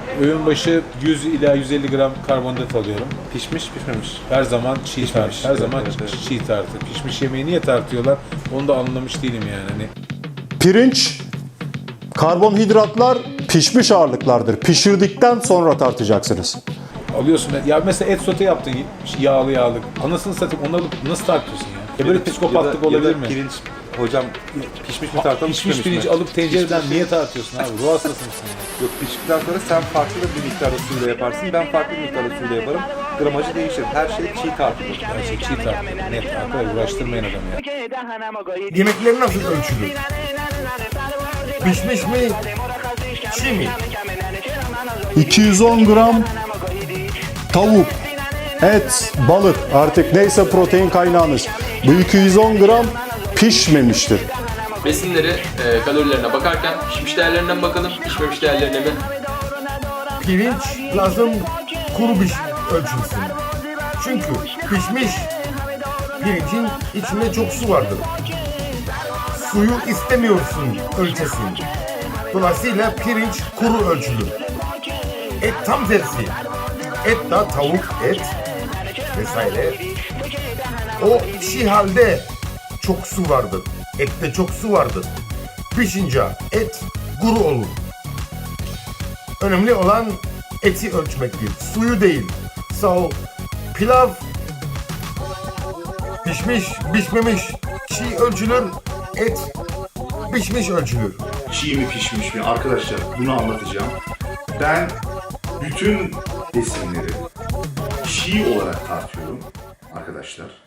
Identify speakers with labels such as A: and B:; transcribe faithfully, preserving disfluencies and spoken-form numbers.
A: Öğün başı yüz ila yüz elli gram karbonhidrat alıyorum. Pişmiş pişmemiş. Her zaman çiğ tart. Her zaman
B: evet, evet.
A: çiğ tartı. Pişmiş yemeği niye tartıyorlar? Onu da anlamış değilim yani. Hani
C: Pirinç, karbonhidratlar pişmiş ağırlıklardır. Pişirdikten sonra tartacaksınız.
A: alıyorsun. Ya mesela et sote yaptın yağlı yağlı. Anasını satayım onu alıp nasıl tartıyorsun ya? Ya böyle psikopatlık
B: ya da,
A: olabilir
B: ya da
A: mi?
B: pirinç, hocam pişmiş mi tartalım,
A: Pişmiş
B: pişmemiş
A: pirinç
B: mi?
A: alıp tencereden
B: Pişmiş-
A: niye tartıyorsun abi? Ruh hastası mısın ya?
B: Yok, piştikten sonra sen farklı bir miktarda suyla yaparsın, ben farklı bir miktarda suyla yaparım. Gramajı değişir. Her şey çiğ tartılır.
A: Her şey çiğ tartıyor. Net arkadaşlar uğraştırmayın adamı ya.
D: Yemekleri nasıl ölçülür? Pişmiş mi? Çiğ mi?
C: iki yüz on gram tavuk, et, balık artık neyse protein kaynağınız. Bu iki yüz on gram pişmemiştir.
E: Besinleri, e, kalorilerine bakarken pişmiş değerlerinden bakalım, pişmemiş değerlerine mi?
D: Pirinç lazım kuru piş ölçülsün. Çünkü pişmiş pirincin içinde çok su vardır. Suyu istemiyorsun ölçesin. Dolayısıyla pirinç kuru ölçülür. Et tam tersi. Et da tavuk et vesaire. O çiğ halde çok su vardır. Ette çok su vardır. Pişince et kuru olur. Önemli olan eti ölçmektir. Suyu değil. Sağ ol. Pilav pişmiş, pişmemiş, çiğ ölçülür. Et pişmiş ölçülür.
F: Çiğ mi pişmiş mi? Arkadaşlar bunu anlatacağım. Ben bütün besinleri çiğ olarak tartıyorum arkadaşlar.